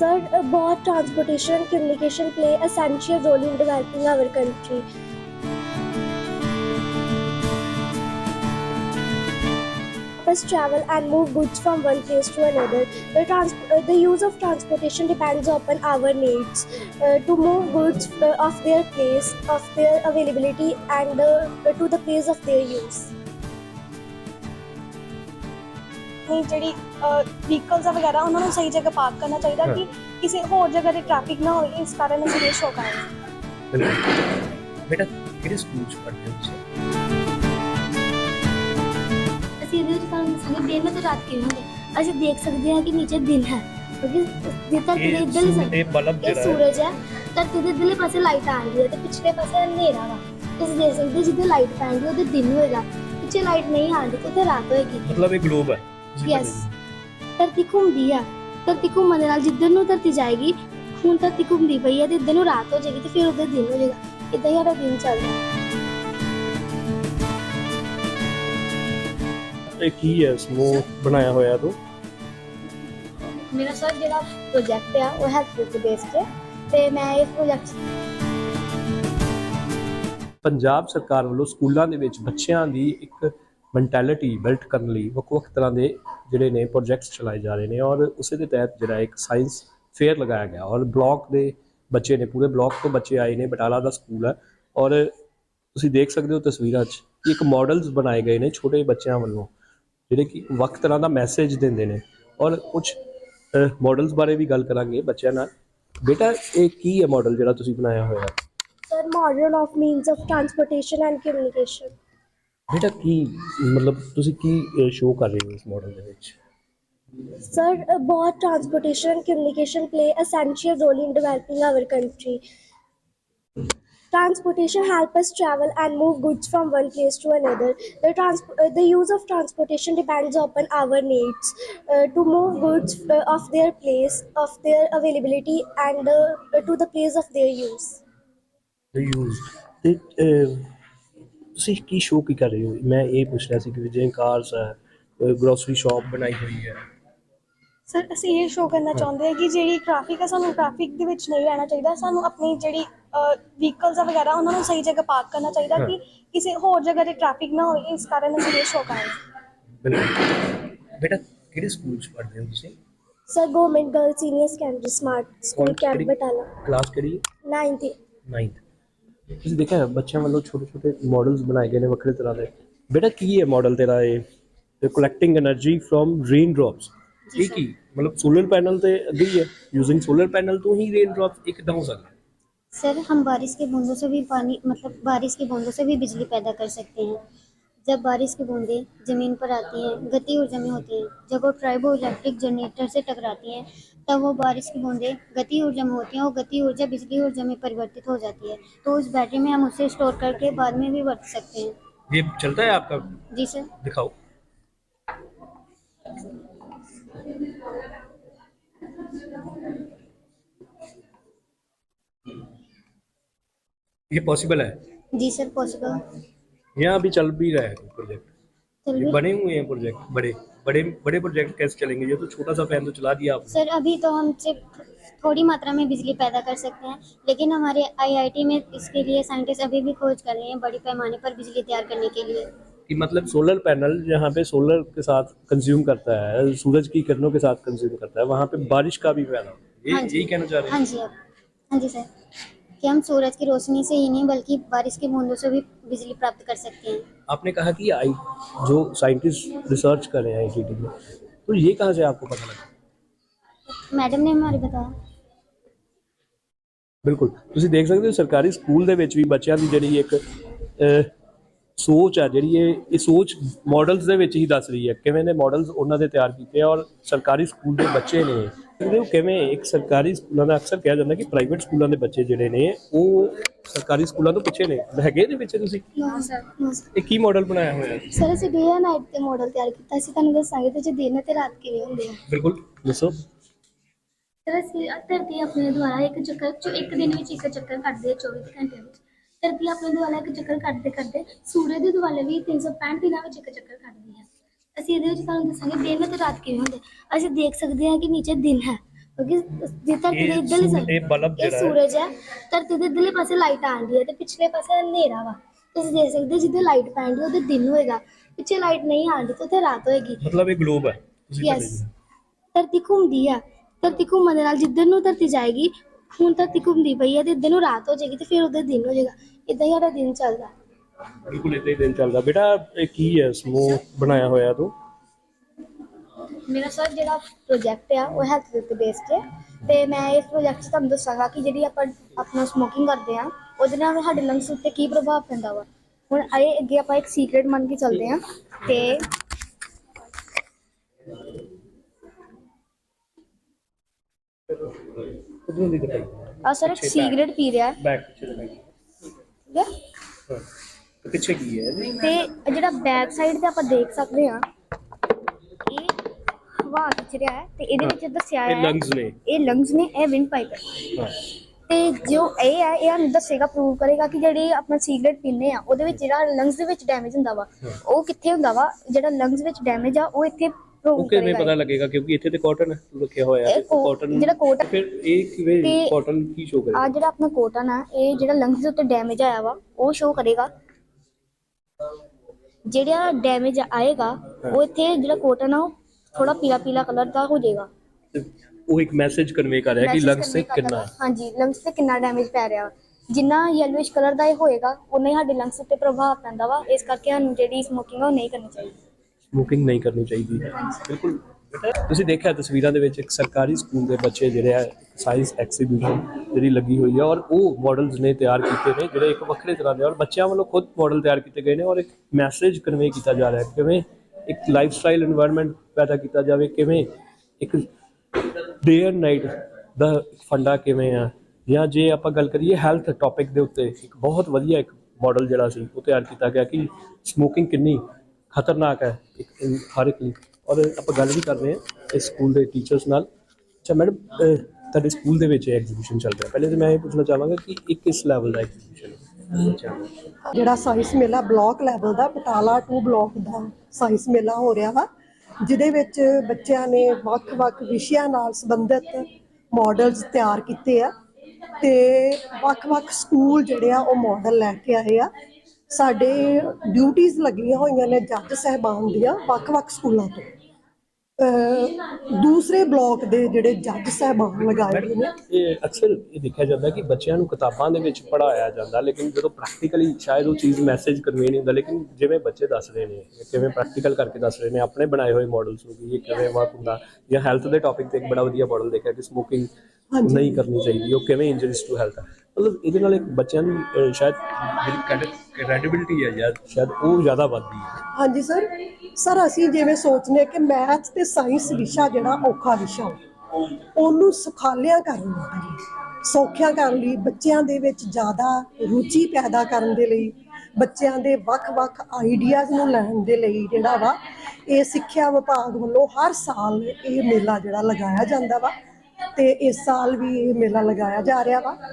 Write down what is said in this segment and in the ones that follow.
Sir, both transportation and communication play essential role in developing our country. Us travel and move goods from one place to another. The use of transportation depends upon our needs to move goods of their place, of their availability, and to the place of their use. ਨਹੀਂ ਜਿਹੜੀ vehicles ਵਗੈਰਾ ਉਹਨਾਂ ਨੂੰ ਸਹੀ ਜਗ੍ਹਾ park ਕਰਨਾ ਚਾਹੀਦਾ ਕਿ ਕਿਸੇ ਹੋਰ ਜਗ੍ਹਾ ਤੇ ਟ੍ਰੈਫਿਕ ਨਾ ਹੋਵੇ। ਇਸ ਕਾਰਨ ਅਸੀਂ ਇਹ ਸ਼ੋਅ ਕਰ ਰਹੇ ਹਾਂ। ਬਿਲਕੁਲ। ਬੇਟਾ ਕਿਹੜੇ ਸਕੂਲ ਚ ਪੜ੍ਹਦੇ ਹੋ ਤੁਸੀਂ? ਅਸੀਂ ਇਹਦੇ ਵਿੱਚ ਤੁਹਾਨੂੰ ਦੱਸਾਂਗੇ ਦਿਨ ਅਤੇ ਰਾਤ ਕਿਵੇਂ ਹੁੰਦੇ। ਅਸੀਂ ਦੇਖ ਸਕਦੇ ਹਾਂ ਕਿ ਨੀਚੇ ਦਿਨ ਹੈ ਕਿਉਂਕਿ ਧਰਤੀ ਦੇ ਇੱਧਰਲੀ ਬਲਬ ਇਹ ਸੂਰਜ ਹੈ। ਧਰਤੀ ਦੇ ਇੱਧਰਲੇ ਪਾਸੇ ਲਾਈਟ ਆ ਰਹੀ ਹੈ ਤੇ ਪਿਛਲੇ ਪਾਸੇ ਹਨੇਰਾ ਵਾ। ਤੁਸੀਂ ਦੇਖ ਸਕਦੇ ਜਿੱਥੇ ਲਾਈਟ ਪੈਂਦੀ ਉਹਦੇ ਦਿਨ ਹੋਏਗਾ, ਪਿੱਛੇ ਲਾਈਟ ਨਹੀਂ ਆਉਂਦੀ ਉੱਥੇ ਰਾਤ ਹੋਏਗੀ। ਮਤਲਬ ਇਹ ਗਲੋਬ ਹੈ। ਯੈਸ, ਧਰਤੀ ਘੁੰਮਦੀ ਆ। ਧਰਤੀ ਘੁੰਮਣ ਦੇ ਨਾਲ ਜਿੱਧਰ ਨੂੰ ਧਰਤੀ ਜਾਏਗੀ, ਹੁਣ ਧਰਤੀ ਘੁੰਮਦੀ ਪਈ ਹੈ ਤੇ ਇੱਧਰ ਨੂੰ ਰਾਤ ਹੋ ਜਾਏਗੀ ਤੇ ਫਿਰ ਉੱਧਰ ਦਿਨ ਹੋ ਜਾਏਗਾ। ਇੱਦਾਂ ਹੀ ਸਾਡਾ ਦਿਨ ਚੱਲਦਾ। ਇਹ ਕੀ ਹੈ ਸਮੂਹ ਬਣਾਇਆ ਹੋਇਆ ਤੂੰ? ਮੇਰਾ ਸਰ ਜਿਹੜਾ ਪ੍ਰੋਜੈਕਟ ਆ ਉਹ ਹੈਲਥ ਬੇਸਡ ਹੈ ਤੇ ਮੈਂ ਇਹ ਪ੍ਰੋਜੈਕਟ ਪੰਜਾਬ ਸਰਕਾਰ ਵੱਲੋਂ ਸਕੂਲਾਂ ਦੇ ਵਿੱਚ ਬੱਚਿਆਂ ਦੀ ਇੱਕ ਮੈਂਟੈਲਿਟੀ ਬਿਲਟ ਕਰਨ ਲਈ ਵੱਖ-ਵੱਖ ਤਰ੍ਹਾਂ ਦੇ ਜਿਹੜੇ ਨੇ ਪ੍ਰੋਜੈਕਟਸ ਚਲਾਏ ਜਾ ਰਹੇ ਨੇ ਔਰ ਉਸੇ ਦੇ ਤਹਿਤ ਜਿਹੜਾ ਇੱਕ ਸਾਇੰਸ ਫੇਅਰ ਲਗਾਇਆ ਗਿਆ ਔਰ ਬਲਾਕ ਦੇ ਬੱਚੇ ਨੇ, ਪੂਰੇ ਬਲਾਕ ਤੋਂ ਬੱਚੇ ਆਏ ਨੇ। ਬਟਾਲਾ ਦਾ ਸਕੂਲ ਹੈ ਔਰ ਤੁਸੀਂ ਦੇਖ ਸਕਦੇ ਹੋ ਤਸਵੀਰਾਂ 'ਚ ਕਿ ਇੱਕ ਮਾਡਲਸ ਬਣਾਏ ਗਏ ਨੇ ਛੋਟੇ ਬੱਚਿਆਂ ਵੱਲੋਂ ਜਿਹੜੇ ਕਿ ਵੱਖ ਤਰ੍ਹਾਂ ਦਾ ਮੈਸੇਜ ਦਿੰਦੇ ਨੇ ਔਰ ਕੁਝ ਮਾਡਲਸ ਬਾਰੇ ਵੀ ਗੱਲ ਕਰਾਂਗੇ ਬੱਚਿਆਂ ਨਾਲ। ਬੇਟਾ ਇਹ ਕੀ ਹੈ ਮਾਡਲ ਜਿਹੜਾ ਤੁਸੀਂ ਬਣਾਇਆ ਹੋਇਆ? Sir modern of means of transportation and communication. ਬੇਟਾ ਕੀ ਮਤਲਬ ਤੁਸੀਂ ਕੀ ਸ਼ੋਅ ਕਰ ਰਹੇ ਹੋ ਇਸ ਮਾਡਲ ਦੇ ਵਿੱਚ? Sir, both transportation and communication play essential role in developing our country. Transportation help us travel and move goods from one place to another. The use of transportation depends upon our needs to move goods of their place, of their availability, and to the place of their use. Use ਤੇ ਤੁਸੀਂ ਕੀ show ਕੀ ਕਰ ਰਹੇ ਹੋ? ਮੈਂ ਇਹ ਪੁੱਛ ਰਿਹਾ ਸੀ ਕਿ ਜਿਵੇਂ ਕਾਰਸ ਹੈ, ਗਰੋਸਰੀ ਸ਼ਾਪ ਬਣਾਈ ਹੋਈ ਹੈ। ਸਰ ਅਸੀਂ ਇਹ ਸ਼ੋਅ ਕਰਨਾ ਚਾਹੁੰਦੇ ਹਾਂ ਕਿ ਜਿਹੜੀ ਟ੍ਰੈਫਿਕ ਹੈ ਸਾਨੂੰ ਟ੍ਰੈਫਿਕ ਦੇ ਵਿੱਚ ਨਹੀਂ ਰਹਿਣਾ ਚਾਹੀਦਾ। ਸਾਨੂੰ ਆਪਣੀ ਜਿਹੜੀ ਵਹੀਕਲਸ ਵਗੈਰਾ ਉਹਨਾਂ ਨੂੰ ਸਹੀ ਜਗ੍ਹਾ ਪਾਰਕ ਕਰਨਾ ਚਾਹੀਦਾ ਕਿ ਕਿਸੇ ਹੋਰ ਜਗ੍ਹਾ ਤੇ ਟ੍ਰੈਫਿਕ ਨਾ ਹੋਵੇ। ਇਸ ਕਾਰਨ ਅਸੀਂ ਇਹ ਸ਼ੋਅ ਕਰ ਰਹੇ ਹਾਂ। ਬਿਲਕੁਲ। ਬੇਟਾ ਕਿਹੜੇ ਸਕੂਲ 'ਚ ਪੜ੍ਹਦੇ ਹੋ ਤੁਸੀਂ? Sir, Government Girls Senior Secondary Smart School Camp Batala, class ਕਿਹੜੀ? 9th. 9th। ਤੁਸੀਂ ਦੇਖਿਆ ਬੱਚਿਆਂ ਵੱਲੋਂ ਛੋਟੇ ਛੋਟੇ ਮਾਡਲਸ ਬਣਾਏ ਗਏ ਨੇ ਵੱਖਰੇ ਤਰ੍ਹਾਂ ਦੇ। ਬੇਟਾ ਕੀ ਹੈ ਮਾਡਲ ਤੇਰਾ ਇਹ collecting energy from rain drops? ਇਹ ਕੀ मतलब सोलर पैनल तो अभी है, यूजिंग सोलर पैनल तो ही रेन ड्रॉप एकदम हो सकता है। सर हम बारिश के बूंदों से भी पानी मतलब बारिश की बूंदों से भी बिजली पैदा कर सकते हैं। जब बारिश की बूंदें ज़मीन पर आती हैं, गति ऊर्जा में होती हैं, जब वो ट्राइबो इलेक्ट्रिक जनरेटर से टकराती हैं तब वो बारिश की बूंदें गति ऊर्जा में होती हैं और गति ऊर्जा बिजली ऊर्जा में परिवर्तित हो जाती है। तो उस बैटरी में हम उसे स्टोर करके बाद में भी बरत सकते हैं। ये चलता है आपका? जी सर। दिखाओ। ये पॉसिबल है? जी सर पॉसिबल। यहाँ अभी चल भी रहा है प्रोजेक्ट, चल बने हुए हैं प्रोजेक्ट। बड़े बड़े बड़े प्रोजेक्ट कैसे चलेंगे? ये तो छोटा सा फैन तो चला दिया आपने। सर अभी तो हम सिर्फ थोड़ी मात्रा में बिजली पैदा कर सकते हैं, लेकिन हमारे आईआईटी में इसके लिए साइंटिस्ट अभी भी खोज कर रहे हैं बड़ी पैमाने पर बिजली तैयार करने के लिए। कि मतलब सोलर पैनल जहाँ पे सोलर के साथ कंज्यूम करता है, सूरज की किरणों के साथ कंज्यूम करता है, वहाँ पे बारिश का भी पैदा होता है। यही कहना चाह रहे हैं? हाँ जी हाँ जी सर, कि हम सूरज की रोशनी से ही नहीं बल्कि बारिश की बूंदों से भी बिजली प्राप्त कर सकते हैं। आपने कहा कि जो साइंटिस्ट रिसर्च कर रहे हैं आईआईटी में, तो ये कहाँ से आपको पता लगा? मैडम ने हमारे बताया। ਬਿਲਕੁਲ। ਤੁਸੀਂ ਦੇਖ ਸਕਦੇ ਹੋ ਸਰਕਾਰੀ ਸਕੂਲ ਦੇ ਵਿੱਚ ਵੀ ਬੱਚਿਆਂ ਦੀ ਜਿਹੜੀ ਇੱਕ ਸੋਚ ਆ ਜਿਹੜੀ ਇਹ ਸੋਚ ਮਾਡਲਸ ਦੇ ਵਿੱਚ ਹੀ ਦੱਸ ਰਹੀ ਹੈ ਕਿਵੇਂ ਦੇ ਮਾਡਲਸ ਉਹਨਾਂ ਦੇ ਤਿਆਰ ਕੀਤੇ ਆ ਔਰ ਸਰਕਾਰੀ ਸਕੂਲ ਦੇ ਬੱਚੇ ਨੇ ਉਹ ਕਿਵੇਂ ਇੱਕ ਸਰਕਾਰੀ ਸਕੂਲਾਂ ਦਾ ਅਕਸਰ ਕਿਹਾ ਜਾਂਦਾ ਕਿ ਪ੍ਰਾਈਵੇਟ ਸਕੂਲਾਂ ਦੇ ਬੱਚੇ ਜਿਹੜੇ ਨੇ ਉਹ ਸਰਕਾਰੀ ਸਕੂਲਾਂ ਤੋਂ ਪਿੱਛੇ ਨੇ ਹੈਗੇ ਦੇ ਵਿੱਚ। ਤੁਸੀਂ ਇਹ ਕੀ ਮਾਡਲ ਬਣਾਇਆ ਹੋਇਆ? ਸਰ ਅਸੀਂ ਡੇ ਐਂਡ ਨਾਈਟ ਤੇ ਮਾਡਲ ਤਿਆਰ ਕੀਤਾ ਸੀ, ਤੁਹਾਨੂੰ ਦੱਸਾਂਗੇ ਤੇ ਜੇ ਦਿਨ ਤੇ ਰਾਤ ਕਿਵੇਂ ਹੁੰਦੇ ਆ। ਬਿਲਕੁਲ ਦੱਸੋ। ਸਰ ਅਸੀਂ ਧਰਤੀ ਆਪਣੇ ਦੁਆਰਾ ਇੱਕ ਦਿਨ ਵਿੱਚ ਇੱਕ ਚੱਕਰ ਕੱਟਦੇ ਆ 24 ਘੰਟੇ ਵਿੱਚ। ਧਰਤੀ ਆਪਣੇ ਦੁਆਰਾ ਇੱਕ ਚੱਕਰ ਕੱਟਦੇ ਕੱਟਦੇ ਸੂਰਜ ਦੇ ਦੁਆਲੇ ਵੀ 365 ਦਿਨਾਂ ਵਿੱਚ ਇੱਕ ਚੱਕਰ ਕੱਟਦੀ ਹੈ। ਅਸੀਂ ਇਹਦੇ ਵਿੱਚ ਤੁਹਾਨੂੰ ਦੱਸਾਂਗੇ ਦਿਨ ਤੇ ਰਾਤ ਕਿਵੇਂ ਹੁੰਦੇ। ਅਸੀਂ ਦੇਖ ਸਕਦੇ ਹਾਂ ਕਿ ਨੀਚੇ ਦਿਨ ਹੈ ਕਿਉਂਕਿ ਜੇ ਧਰਤੀ ਦੇ ਇੱਧਰਲੇ ਇਹ ਬਲਬ ਇਹ ਜਿਹੜਾ ਸੂਰਜ ਹੈ, ਧਰਤੀ ਦੇ ਇੱਧਰਲੇ ਪਾਸੇ ਲਾਈਟ ਆਉਂਦੀ ਹੈ ਤੇ ਪਿਛਲੇ ਪਾਸੇ ਹਨੇਰਾ ਵਾ। ਤੁਸੀਂ ਦੇਖ ਸਕਦੇ ਜਿੱਥੇ ਲਾਈਟ ਪੈਂਦੀ ਉਹਦੇ ਦਿਨ ਹੋਏਗਾ, ਪਿੱਛੇ ਲਾਈਟ ਨਹੀਂ ਆਉਂਦੀ ਤੇ ਉੱਥੇ ਰਾਤ ਹੋਏਗੀ। ਮਤਲਬ ਇਹ ਗਲੋਬ ਹੈ ਤੁਸੀਂ ਯੈਸ, ਧਰਤੀ ਘੁੰਮਦੀ ਆ, ਧਰਤੀ ਘੁੰਮਣ ਦੇ ਨਾਲ ਜਿੱਧਰ ਨੂੰ ਧਰਤੀ ਜਾਏਗੀ, ਹੁਣ ਧਰਤੀ ਘੁੰਮਦੀ ਪਈ ਹੈ ਤੇ ਇੱਧਰ ਨੂੰ ਰਾਤ ਹੋ ਜਾਏਗੀ ਤੇ ਫਿਰ ਉਹਦੇ ਦਿਨ ਹੋ ਜਾਏਗਾ। ਇਦਾਂ ਹੀ ਸਾਡਾ ਦਿਨ ਚੱਲਦਾ। ਬਿਲਕੁਲ ਇਦਾਂ ਹੀ ਦਿਨ ਚੱਲਦਾ। ਬੇਟਾ ਇਹ ਕੀ ਹੈ ਸਮੂਹ ਬਣਾਇਆ ਹੋਇਆ ਤੂੰ? ਮੇਰਾ ਸਰ ਜਿਹੜਾ ਪ੍ਰੋਜੈਕਟ ਆ ਉਹ ਹੈਲਥ ਦੇ ਉੱਤੇ ਬੇਸਡ ਹੈ ਤੇ ਮੈਂ ਇਸ ਪ੍ਰੋਜੈਕਟ 'ਚ ਤੁਹਾਨੂੰ ਦੱਸਾਂਗਾ ਕਿ ਜਿਹੜੀ ਆਪਾਂ ਆਪਣਾ ਸਮੋਕਿੰਗ ਕਰਦੇ ਆ ਉਹਦੇ ਨਾਲ ਸਾਡੇ ਲੰਗਸ ਉੱਤੇ ਕੀ ਪ੍ਰਭਾਵ ਪੈਂਦਾ ਵਾ। ਹੁਣ ਆਏ ਅੱਗੇ ਆਪਾਂ ਇੱਕ ਸੀਕ੍ਰੇਟ ਮੰਨ ਕੇ ਚੱਲਦੇ ਆ ਤੇ ਉਧਰੋਂ ਦੀ ਦਿਖਾਈ ਆ ਸਰ ਇੱਕ ਸਿਗਰਟ ਪੀ ਰਿਹਾ ਹੈ, ਬੈਕ ਪਿੱਛੇ ਦਿਖਾਈ। ਠੀਕ ਹੈ, ਹਾਂ ਤੇ ਪਿੱਛੇ ਕੀ ਹੈ ਇਹਦੇ? ਤੇ ਜਿਹੜਾ ਬੈਕ ਸਾਈਡ ਤੇ ਆਪਾਂ ਦੇਖ ਸਕਦੇ ਆ ਇਹ ਹਵਾ ਖਿੱਚ ਰਿਹਾ ਹੈ ਤੇ ਇਹਦੇ ਵਿੱਚ ਦੱਸਿਆ ਇਹ ਹੈ ਲੰਗਸ ਨੇ। ਇਹ ਲੰਗਸ ਨੇ, ਇਹ ਵਿੰਡ ਪਾਈਪ ਹੈ। ਹਾਂ ਤੇ ਜੋ ਇਹ ਹੈ ਇਹ ਸਾਨੂੰ ਦੱਸੇਗਾ, ਪ੍ਰੂਵ ਕਰੇਗਾ ਕਿ ਜਿਹੜੀ ਆਪਾਂ ਸਿਗਰਟ ਪੀਂਦੇ ਆ ਉਹਦੇ ਵਿੱਚ ਜਿਹੜਾ ਲੰਗਸ ਦੇ ਵਿੱਚ ਡੈਮੇਜ ਹੁੰਦਾ ਵਾ ਉਹ ਕਿੱਥੇ ਹੁੰਦਾ ਵਾ, ਜਿਹੜਾ ਲੰਗਸ ਵਿੱਚ ਡੈਮੇਜ ਆ ਉਹ ਇੱਥੇ ਪ੍ਰੂਵ ਉਹ ਕਿਵੇਂ ਕਰੇਗਾ। ਪਤਾ ਲੱਗੇਗਾ? ਕਿਉਂਕਿ ਇੱਥੇ ਤੇ ਕਾਟਨ ਰੱਖਿਆ ਹੋਇਆ ਹੈ, ਇਹ ਕਾਟਨ ਜਿਹੜਾ ਕੋਟ ਫਿਰ ਇਹ ਕਿਵੇਂ ਤੇ ਕਾਟਨ ਕੀ ਸ਼ੋ ਆ ਕਰੇਗਾ? ਜਿਹੜਾ ਆਪਣਾ ਕੋਟਨ ਆ ਇਹ ਜਿਹੜਾ ਲੰਗਸ ਦੇ ਉੱਤੇ ਡੈਮੇਜ ਆਇਆ ਵਾ ਉਹ ਸ਼ੋ ਕਰੇਗਾ। ਜਿਹੜਾ ਡੈਮੇਜ ਆਏਗਾ ਉਹ ਇੱਥੇ ਜਿਹੜਾ ਕੋਟਨ ਆ ਉਹ ਥੋੜਾ ਪੀਲਾ ਪੀਲਾ ਕਲਰ ਦਾ ਹੋ ਜਾਏਗਾ। ਤੇ ਉਹ ਇੱਕ ਮੈਸੇਜ ਕਨਵੇ ਕਰ ਰਿਹਾ ਕਿ Message ਲੰਗਸ ਤੇ convey ਕਰਦਾ ਕਿੰਨਾ ਵਾ। ਹਾਂਜੀ, ਲੰਗਸ ਤੇ ਕਿੰਨਾ ਡੈਮੇਜ ਪੈ ਰਿਹਾ ਵਾ। ਜਿੰਨਾ ਯੈਲੋਇਸ਼ ਕਲਰ ਦਾ ਇਹ ਹੋਏਗਾ ਉਨਾ ਹੀ ਸਾਡੇ ਲੰਗਸ ਉੱਤੇ ਪ੍ਰਭਾਵ ਪੈਂਦਾ ਵਾ। ਇਸ ਕਰਕੇ ਸਾਨੂੰ ਜਿਹੜੀ ਸਮੋਕਿੰਗ ਆ ਉਹ ਨਹੀਂ ਕਰਨੀ ਚਾਹੀਦੀ। ਸਮੋਕਿੰਗ ਨਹੀਂ ਕਰਨੀ ਚਾਹੀਦੀ। ਬਿਲਕੁਲ ਬੇਟਾ ਤੁਸੀਂ ਦੇਖਿਆ ਤਸਵੀਰਾਂ ਦੇ ਵਿੱਚ ਇੱਕ ਸਰਕਾਰੀ ਸਕੂਲ ਦੇ ਬੱਚੇ ਜਿਹੜੇ ਆ ਸਾਇੰਸ ਐਗਜ਼ੀਬਿਸ਼ਨ ਜਿਹੜੀ ਲੱਗੀ ਹੋਈ ਹੈ ਔਰ ਉਹ ਮਾਡਲਸ ਨੇ ਤਿਆਰ ਕੀਤੇ ਨੇ ਜਿਹੜੇ ਇੱਕ ਵੱਖਰੇ ਤਰ੍ਹਾਂ ਦੇ ਔਰ ਬੱਚਿਆਂ ਵੱਲੋਂ ਖੁਦ ਮਾਡਲ ਤਿਆਰ ਕੀਤੇ ਗਏ ਨੇ ਔਰ ਇੱਕ ਮੈਸੇਜ ਕਨਵੇ ਕੀਤਾ ਜਾ ਰਿਹਾ ਕਿਵੇਂ ਇੱਕ ਲਾਈਫ ਸਟਾਈਲ এনवायरमेंट ਪੈਦਾ ਕੀਤਾ ਜਾਵੇ, ਕਿਵੇਂ ਇੱਕ ਡੇ ਐਂਡ ਨਾਈਟ ਦਾ ਫੰਡਾ ਕਿਵੇਂ ਆ, ਜਾਂ ਜੇ ਆਪਾਂ ਗੱਲ ਕਰੀਏ ਹੈਲਥ ਟੌਪਿਕ ਦੇ ਉੱਤੇ ਇੱਕ ਬਹੁਤ ਵਧੀਆ ਇੱਕ ਮਾਡਲ ਜਿਹੜਾ ਸੀ ਉਹ ਤਿਆਰ ਕੀਤਾ ਗਿਆ ਕਿ ਸਮੋਕਿੰਗ ਕਿੰਨੀ ਖਤਰਨਾਕ ਹੈ ਹਰ ਇੱਕ ਲਈ। ਔਰ ਆਪਾਂ ਗੱਲ ਵੀ ਕਰ ਰਹੇ ਹਾਂ ਇਸ ਸਕੂਲ ਦੇ ਟੀਚਰਸ ਨਾਲ। ਅੱਛਾ ਮੈਡਮ, ਤੁਹਾਡੇ ਸਕੂਲ ਦੇ ਵਿੱਚ ਐਗਜ਼ੀਬਿਸ਼ਨ ਚੱਲ ਰਿਹਾ, ਪਹਿਲੇ ਤਾਂ ਮੈਂ ਇਹ ਪੁੱਛਣਾ ਚਾਹਾਂਗਾ ਕਿ ਇਹ ਕਿਸ ਲੈਵਲ ਦਾ ਐਗਜ਼ੀਬਿਸ਼ਨ ਹੈ? ਜਿਹੜਾ ਸਾਇੰਸ ਮੇਲਾ ਬਲਾਕ ਲੈਵਲ ਦਾ ਬਟਾਲਾ 2 ਬਲਾਕ ਦਾ ਸਾਇੰਸ ਮੇਲਾ ਹੋ ਰਿਹਾ ਵਾ, ਜਿਹਦੇ ਵਿੱਚ ਬੱਚਿਆਂ ਨੇ ਵੱਖ-ਵੱਖ ਵਿਸ਼ਿਆਂ ਨਾਲ ਸੰਬੰਧਿਤ ਮਾਡਲਸ ਤਿਆਰ ਕੀਤੇ ਆ ਤੇ ਵੱਖ-ਵੱਖ ਸਕੂਲ ਜਿਹੜੇ ਆ ਉਹ ਮਾਡਲ ਲੈ ਕੇ ਆਏ ਆ। ਸਾਡੇ ਡਿਊਟੀਆਂ ਲੱਗੀਆਂ ਹੋਈਆਂ ਨੇ ਜੱਜ ਸਾਹਿਬਾਨ ਦੀਆਂ ਵੱਖ-ਵੱਖ ਸਕੂਲਾਂ ਤੋਂ। ਦੂਸਰੇ ਬਲਾਕ ਦੇ ਜਿਹੜੇ ਜੱਜ ਸਾਹਿਬਾਨ ਲਗਾਏ ਹੋਏ ਨੇ। ਇਹ ਅਕਸਰ ਇਹ ਦੇਖਿਆ ਜਾਂਦਾ ਕਿ ਬੱਚਿਆਂ ਨੂੰ ਕਿਤਾਬਾਂ ਦੇ ਵਿੱਚ ਪੜ੍ਹਾਇਆ ਜਾਂਦਾ ਲੇਕਿਨ ਜਦੋਂ ਪ੍ਰੈਕਟੀਕਲੀ ਸ਼ਾਇਦ ਉਹ ਚੀਜ਼ ਮੈਸੇਜ ਕਨਵੇ ਨਹੀਂ ਹੁੰਦਾ, ਲੇਕਿਨ ਜਿਵੇਂ ਬੱਚੇ ਦੱਸ ਰਹੇ ਨੇ ਕਿਵੇਂ ਪ੍ਰੈਕਟੀਕਲ ਕਰਕੇ ਦੱਸ ਰਹੇ ਨੇ ਆਪਣੇ ਬਣਾਏ ਹੋਏ ਮਾਡਲਸ ਨੂੰ ਕਿ ਇਹ ਕਿਵੇਂ ਵਰਕ ਹੁੰਦਾ, ਜਾਂ ਹੈਲਥ ਦੇ ਟੌਪਿਕ ਤੇ ਇੱਕ ਬੜਾ ਵਧੀਆ ਮਾਡਲ ਦੇਖਿਆ ਕਿ ਸਮੋਕਿੰਗ ਨਹੀਂ ਕਰਨੀ ਚਾਹੀਦੀ, ਉਹ ਕਿਵੇਂ ਇੰਜਰੀਜ਼ ਟੂ ਹੈਲਥ ਹੈ। ਮਤਲਬ ਇਹਦੇ ਨਾਲ ਇੱਕ ਬੱਚਿਆਂ ਦੀ ਸ਼ਾਇਦ ਜਿਹੜੀ ਕ੍ਰੈਡੀਬਿਲਿਟੀ ਹੈ ਜਾਂ ਸ਼ਾਇਦ ਉਹ ਜ਼ਿਆਦਾ ਵੱਧਦੀ ਹੈ। ਹਾਂਜੀ ਸਰ ਅਸੀਂ ਜਿਵੇਂ ਸੋਚਨੇ ਕਿ ਮੈਥ ਤੇ ਸਾਇੰਸ ਵਿਸ਼ਾ ਜਿਹੜਾ ਔਖਾ ਵਿਸ਼ਾ ਉਹਨੂੰ ਸੁਖਾਲਿਆ ਕਰਨ ਲਈ, ਸੌਖਿਆ ਕਰਨ ਲਈ, ਬੱਚਿਆਂ ਦੇ ਵਿੱਚ ਜ਼ਿਆਦਾ ਰੁਚੀ ਪੈਦਾ ਕਰਨ ਦੇ ਲਈ, ਬੱਚਿਆਂ ਦੇ ਵੱਖ-ਵੱਖ ਆਈਡੀਆਜ਼ ਨੂੰ ਲੈਣ ਦੇ ਲਈ ਜਿਹੜਾ ਵਾ ਇਹ ਸਿੱਖਿਆ ਵਿਭਾਗ ਵੱਲੋਂ ਹਰ ਸਾਲ ਇਹ ਮੇਲਾ ਜਿਹੜਾ ਲਗਾਇਆ ਜਾਂਦਾ ਵਾ ਤੇ ਇਸ ਸਾਲ ਵੀ ਇਹ ਮੇਲਾ ਲਗਾਇਆ ਜਾ ਰਿਹਾ ਵਾ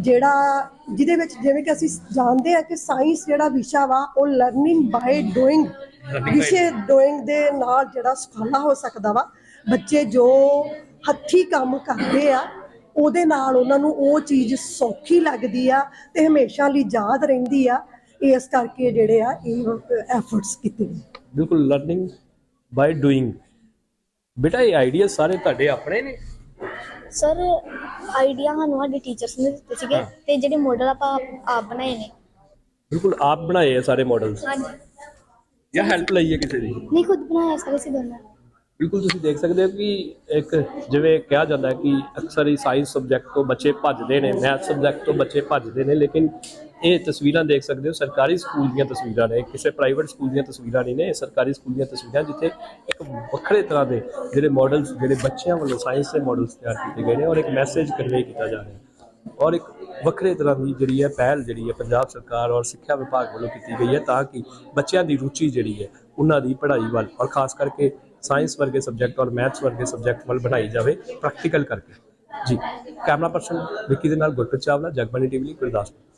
ਜਿਹਦੇ ਵਿੱਚ ਜਿਵੇਂ ਕਿ ਅਸੀਂ ਜਾਣਦੇ ਆ ਕਿ ਸਾਇੰਸ ਜਿਹੜਾ ਵਿਸ਼ਾ ਵਾ ਉਹ ਲਰਨਿੰਗ ਬਾਈ ਡੂਇੰਗ ਵਿਸ਼ੇ ਡੂਇੰਗ ਦੇ ਨਾਲ ਜਿਹੜਾ ਸੁਖਾਲਾ ਹੋ ਸਕਦਾ ਵਾ। ਬੱਚੇ ਜੋ ਹੱਥੀਂ ਕੰਮ ਕਰਦੇ ਆ ਉਹਦੇ ਨਾਲ ਉਹਨਾਂ ਨੂੰ ਉਹ ਚੀਜ਼ ਸੌਖੀ ਲੱਗਦੀ ਆ ਤੇ ਹਮੇਸ਼ਾ ਲਈ ਯਾਦ ਰਹਿੰਦੀ ਆ। ਇਸ ਕਰਕੇ ਜਿਹੜੇ ਆ ਇਹ ਐਫਰਟਸ ਕੀਤੇ ਨੇ। ਬਿਲਕੁਲ, ਲਰਨਿੰਗ ਬਾਈ ਡੂਇੰਗ। ਬੇਟਾ ਇਹ ਆਈਡੀਆ ਸਾਰੇ ਤੁਹਾਡੇ ਆਪਣੇ ਨੇ? ਸਰ ਆਈਡੀਆ ਸਾਨੂੰ ਸਾਡੇ ਟੀਚਰਸ ਨੇ ਦਿੱਤੇ ਸੀਗੇ ਤੇ ਜਿਹੜੇ ਮਾਡਲ ਆਪਾਂ ਆਪ ਬਣਾਏ ਨੇ। ਬਿਲਕੁਲ ਆਪ ਬਣਾਏ ਆ ਸਾਰੇ ਮਾਡਲਸ ਹਾਂਜੀ, ਜਾਂ ਹੈਲਪ ਲਈ ਹੈ ਕਿਸੇ ਦੀ? ਨਹੀਂ ਖੁਦ ਬਣਾਇਆ ਸਾਰੇ ਸੀ ਦੋਨੋਂ। ਬਿਲਕੁਲ ਤੁਸੀਂ ਦੇਖ ਸਕਦੇ ਹੋ ਕਿ ਇੱਕ ਜਿਵੇਂ ਕਿਹਾ ਜਾਂਦਾ ਹੈ ਕਿ ਅਕਸਰ ਹੀ ਸਾਇੰਸ ਸਬਜੈਕਟ ਤੋਂ ਬੱਚੇ ਭੱਜਦੇ ਨੇ, ਮੈਥ ਸਬਜੈਕਟ ਤੋਂ ਬੱਚੇ ਭੱਜਦੇ ਨੇ, ਲੇਕਿਨ ਇਹ ਤਸਵੀਰਾਂ ਦੇਖ ਸਕਦੇ ਹੋ ਸਰਕਾਰੀ ਸਕੂਲ ਦੀਆਂ ਤਸਵੀਰਾਂ ਨੇ, ਕਿਸੇ ਪ੍ਰਾਈਵੇਟ ਸਕੂਲ ਦੀਆਂ ਤਸਵੀਰਾਂ ਨਹੀਂ ਨੇ, ਇਹ ਸਰਕਾਰੀ ਸਕੂਲ ਦੀਆਂ ਤਸਵੀਰਾਂ ਜਿੱਥੇ ਇੱਕ ਵੱਖਰੇ ਤਰ੍ਹਾਂ ਦੇ ਜਿਹੜੇ ਮਾਡਲਸ ਜਿਹੜੇ ਬੱਚਿਆਂ ਵੱਲੋਂ ਸਾਇੰਸ ਦੇ ਮਾਡਲਸ ਤਿਆਰ ਕੀਤੇ ਗਏ ਨੇ ਔਰ ਇੱਕ ਮੈਸੇਜ ਕਨਵੇ ਕੀਤਾ ਜਾ ਰਿਹਾ ਔਰ ਇੱਕ ਵੱਖਰੇ ਤਰ੍ਹਾਂ ਦੀ ਜਿਹੜੀ ਹੈ ਪਹਿਲ ਜਿਹੜੀ ਹੈ ਪੰਜਾਬ ਸਰਕਾਰ ਔਰ ਸਿੱਖਿਆ ਵਿਭਾਗ ਵੱਲੋਂ ਕੀਤੀ ਗਈ ਹੈ ਤਾਂ ਕਿ ਬੱਚਿਆਂ ਦੀ ਰੁਚੀ ਜਿਹੜੀ ਹੈ ਉਹਨਾਂ ਦੀ ਪੜ੍ਹਾਈ ਵੱਲ ਔਰ ਖਾਸ ਕਰਕੇ ਸਾਇੰਸ ਵਰਗੇ ਸਬਜੈਕਟ ਔਰ ਮੈਥਸ ਵਰਗੇ ਸਬਜੈਕਟ ਵੱਲ ਬਣਾਈ ਜਾਵੇ ਪ੍ਰੈਕਟੀਕਲ ਕਰਕੇ। ਜੀ, ਕੈਮਰਾ ਪਰਸਨ ਵਿੱਕੀ ਦੇ ਨਾਲ ਗੁਰਪ੍ਰੀਤ ਚਾਵਲਾ, ਜਗਬਾਣੀ ਟੀਵੀ ਲਈ ਗੁਰਦਾਸਪੁਰ।